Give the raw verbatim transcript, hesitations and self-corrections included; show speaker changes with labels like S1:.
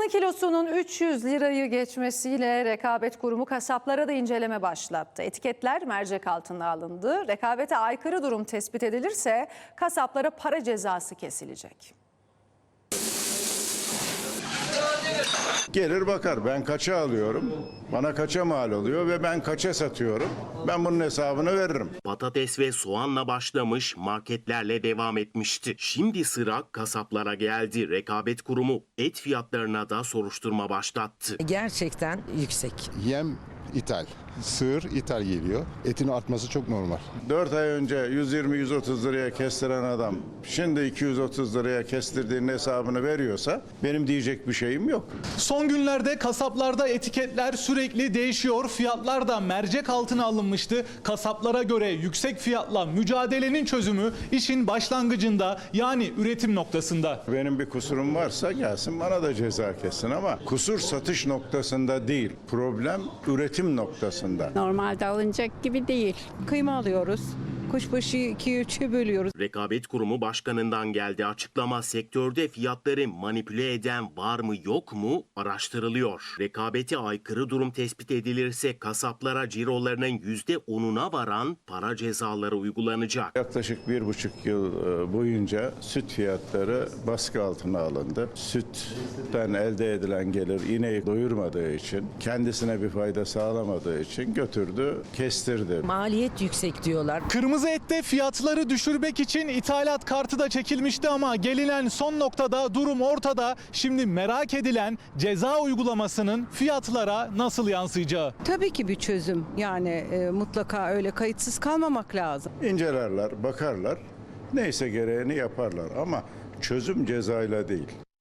S1: Kıymanın kilosunun üç yüz lirayı geçmesiyle Rekabet Kurumu kasaplara da inceleme başlattı. Etiketler mercek altına alındı. Rekabete aykırı durum tespit edilirse kasaplara para cezası kesilecek.
S2: Gelir bakar, ben kaça alıyorum, bana kaça mal oluyor ve ben kaça satıyorum. Ben bunun hesabını veririm.
S3: Patates ve soğanla başlamış, marketlerle devam etmişti. Şimdi sıra kasaplara geldi. Rekabet Kurumu et fiyatlarına da soruşturma başlattı.
S4: Gerçekten yüksek.
S5: Yem ithal, sığır ithal geliyor. Etin artması çok normal.
S2: dört ay önce yüz yirmi yüz otuz liraya kestiren adam şimdi iki yüz otuz liraya kestirdiğinin hesabını veriyorsa benim diyecek bir şeyim yok.
S6: Son günlerde kasaplarda etiketler sürekli değişiyor. Fiyatlar da mercek altına alınmıştı. Kasaplara göre yüksek fiyatla mücadelenin çözümü işin başlangıcında, yani üretim noktasında.
S2: Benim bir kusurum varsa gelsin bana da ceza kessin ama kusur satış noktasında değil. Problem üretim noktasında.
S7: Normalde alınacak gibi değil. Kıyma alıyoruz. Kuşbaşı iki üçe bölüyoruz.
S3: Rekabet Kurumu Başkanı'ndan geldi açıklama. Sektörde fiyatları manipüle eden var mı yok mu araştırılıyor. Rekabete aykırı durum tespit edilirse kasaplara cirolarının yüzde onuna varan para cezaları uygulanacak.
S2: Yaklaşık bir buçuk yıl boyunca süt fiyatları baskı altına alındı. Sütten elde edilen gelir ineği doyurmadığı için, kendisine bir fayda sağlamadığı için götürdü, kestirdi.
S4: Maliyet yüksek diyorlar.
S6: Kırmızı ette fiyatları düşürmek için ithalat kartı da çekilmişti ama gelinen son noktada durum ortada. Şimdi merak edilen ceza uygulamasının fiyatlara nasıl yansıyacağı.
S7: Tabii ki bir çözüm. Yani e, mutlaka öyle kayıtsız kalmamak lazım.
S2: İncelerler, bakarlar, neyse gereğini yaparlar ama çözüm cezayla değil.